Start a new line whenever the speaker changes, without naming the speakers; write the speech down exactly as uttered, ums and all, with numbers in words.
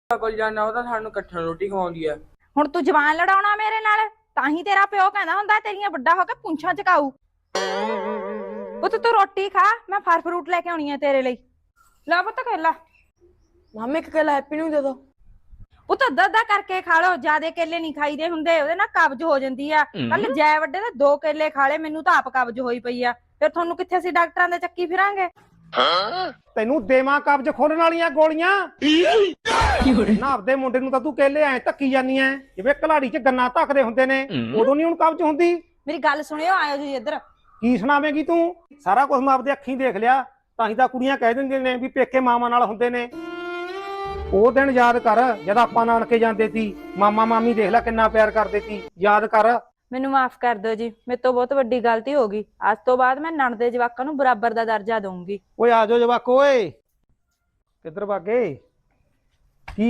ਕੋਲ ਜਾਣਾ ਉਹ ਤਾਂ ਸਾਨੂੰ ਇਕੱਠਾ ਰੋਟੀ ਖਵਾਉਂਦੀ ਆ।
ਹੁਣ ਤੂੰ ਜਵਾਨ ਲੜਾਉਣਾ ਮੇਰੇ ਨਾਲ, ਤਾਂ ਹੀ ਤੇਰਾ ਪਿਓ ਕਹਿੰਦਾ ਹੁੰਦਾ ਤੇਰੀਆਂ ਵੱਡਾ ਹੋ ਕੇ ਪੁੰਛਾਂ ਚਕਾਊ। ਪੁੱਤ ਤੂੰ ਰੋਟੀ ਖਾ, ਮੈਂ ਫਲ ਫਰੂਟ ਲੈ ਕੇ ਆਉਣੀ ਆ ਤੇਰੇ ਲਈ। ਲੈ ਪੁੱਤ ਕੇਲਾ।
ਮਾਮੇ ਇੱਕ ਕੇਲਾ ਹੈਪੀ ਨੂੰ ਦੇ ਦੋ।
ਪੁੱਤ ਅੱਧਾ ਅੱਧਾ ਕਰਕੇ ਖਾ ਲੋ, ਜਿਆਦੇ ਕੇਲੇ ਨਹੀਂ ਖਾਈਦੇ ਹੁੰਦੇ, ਉਹਦੇ ਨਾਲ ਕਬਜ਼ ਹੋ ਜਾਂਦੀ ਆ। ਕੱਲ ਜੈ ਵੱਡੇ ਦੇ ਦੋ ਕੇਲੇ ਖਾ ਲਏ, ਮੈਨੂੰ ਤਾਂ ਆਪ ਕਬਜ਼ ਹੋਈ ਪਈ ਆ। ਫਿਰ ਤੁਹਾਨੂੰ ਕਿੱਥੇ ਅਸੀਂ ਡਾਕਟਰਾਂ ਦੇ ਚੱਕੀ ਫਿਰਾਂਗੇ।
ਤੈਨੂੰ ਦੇਵਾਂ ਕਬਜ਼ ਖੋਲਣ ਵਾਲੀਆਂ ਗੋਲੀਆਂ ਨਾ। ਆਪਦੇ ਮੁੰਡੇ ਨੂੰ ਤਾਂ ਤੂੰ ਕੇਲੇ ਐ ਧੱਕੀ ਜਾਨੀ ਐ ਜਿਵੇਂ ਕਲਾੜੀ 'ਚ ਗੰਨਾ ਧੱਕਦੇ ਹੁੰਦੇ ਨੇ, ਉਦੋਂ ਨਹੀਂ ਹੁਣ ਕਬਜ਼ ਹੁੰਦੀ।
ਮੇਰੀ ਗੱਲ ਸੁਣਿਓ, ਆਇਓ ਜੀ ਇੱਧਰ।
ਕੀ ਸੁਣਾਵੇਂਗੀ ਤੂੰ? ਸਾਰਾ ਕੁਝ ਮੈਂ ਆਪਦੇ ਅੱਖੀਂ ਦੇਖ ਲਿਆ, ਤਾਂ ਹੀ ਤਾਂ ਕੁੜੀਆਂ ਕਹਿ ਦਿੰਦੀਆਂ ਨੇ ਵੀ ਪੇਕੇ ਮਾਵਾਂ ਨਾਲ ਹੁੰਦੇ ਨੇ। ਉਹ ਦਿਨ ਯਾਦ ਕਰ ਜਦ ਆਪਾਂ ਨਾਨਕੇ ਜਾਂਦੇ ਸੀ, ਮਾਮਾ ਮਾਮੀ ਦੇਖ ਲੈ ਕਿੰਨਾ ਪਿਆਰ ਕਰਦੇ ਸੀ, ਯਾਦ ਕਰ।
ਮੈਨੂੰ ਮਾਫ ਕਰ ਦਿਓ ਜੀ, ਮੇਰੇ ਤੋਂ ਬਹੁਤ ਵੱਡੀ ਗਲਤੀ ਹੋ ਗਈ। ਅੱਜ ਤੋਂ ਬਾਅਦ ਮੈਂ ਨਣਦ ਦੇ ਜਵਾਕਾਂ ਨੂੰ ਬਰਾਬਰ ਦਾ ਦਰਜਾ ਦਊਂਗੀ।
ਓਏ ਆ ਜਾਓ ਜਵਾਕੋ, ਓਏ ਕਿੱਧਰ ਭਾਗੇ?